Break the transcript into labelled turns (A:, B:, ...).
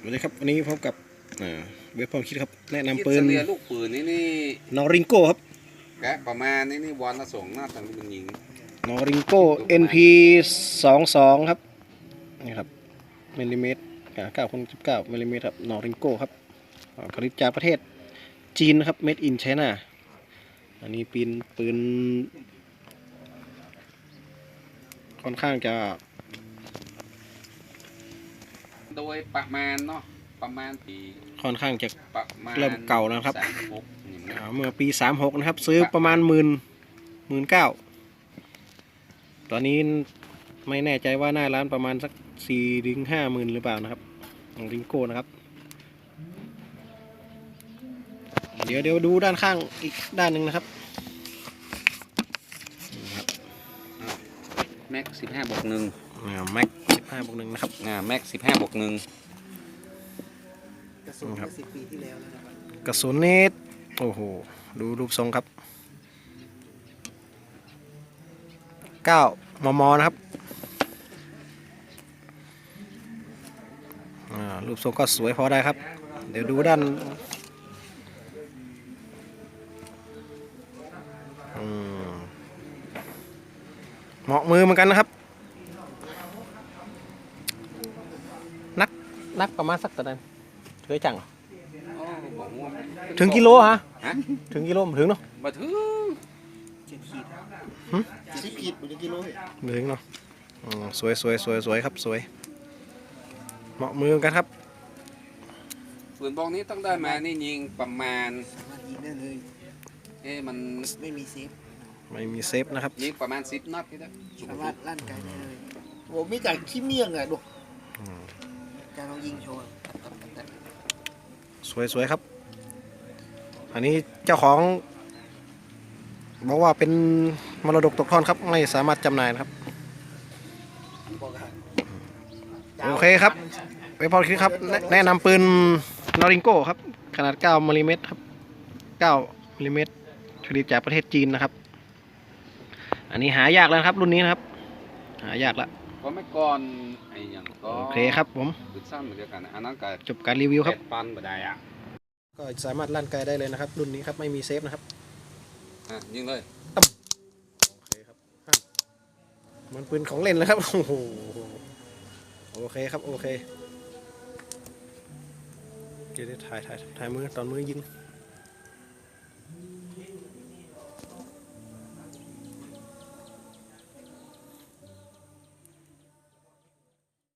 A: สวัสดีครับวันนี้พบกับเว็บพอคิดครับแนะนำปืน
B: เรียลูกปืนนี่
A: นอริงโก้ครับ
B: แกะประมาณนี่วันละส่งหน้าตังเป็นยิง
A: นอริงโก้ NP 22ครับนี่ครับมิลลิเมตร9.19มิลลิเมตรครับนอริงโก้ครับผลิตจากประเทศจีนนะครับ Made in China อันนี้ปืนค่อนข้างจะ
B: โดยประมาณเนาะประมาณปี
A: ค่อนข้างจะ
B: ประมาณ
A: เริ่มเก่าแล้วครับ
B: 36
A: เมื่อปี36นะครับซื้อประมาณ19,000ตอนนี้ไม่แน่ใจว่าหน้าร้านประมาณสัก4-50,000หรือเปล่านะครับของริงโก้นะครับเดี๋ยวดูด้านข้างอีกด้านหนึ่งนะครับ
B: แม็ก15+1
A: แม็ก15+1นะครับ
B: แม็ก15+1
C: กระสุน10 ปีที่แล้วนะครับ
A: กระสุนนี้โอ้โหดูรูปทรงครับ9 มมนะครับรูปทรงก็สวยพอได้ครับเดี๋ยวดูด้านเหมาะมือเหมือนกันนะครับนักประมาณสักตะนั้นเคยจังถึงกิโลฮะถึงกิโลถึงเนาะ
B: มาถึง
C: 10 ขีดเป็นกิโล
A: ถึงเนาะสวยครับสวยเหมาะมือกันครับ
B: ปืนบอกนี้ต้องได้มานี่ยิงประมาณ
C: ยิงได้เลย
B: มัน
C: ไม่มีเซฟ
A: นะครับ
B: ยิงประมาณ10 นัดที่ได้
C: สามารถลั่นไกลได้เลยโอ้มีจากขี้เมี่ยงอ่ะดูการลองยิงโชว์
A: สวยครับอันนี้เจ้าของบอกว่าเป็นมรดกตกทอดครับไม่สามารถจำหน่ายนะครับโอเคครับไปพอคิดครับแนะนำปืนนอริงโก้ครับขนาด9 มิลลิเมตรครับ9 มิลลิเมตรผลิตจากประเทศจีนนะครับอันนี้หายากแล้วครับรุ่นนี้นะครับหายากแล้ว
B: ก็ไม่ก่อนไอ้ยังก็
A: โอเคครับผม
B: ปืนสั้นเหมือนกันอันนั้นก็
A: จบการรีวิวครับ
B: ปันบ่ได้อ่ะ
A: ก็สามารถลั่นไกลได้เลยนะครับรุ่นนี้ครับไม่มีเซฟนะครับ
B: ยิงเลย
A: โอเคครับมันปืนของเล่นแล้วครับโอ้โหโอเคครับโอเคเดี๋ยวถ่ายมือตอนมือยิง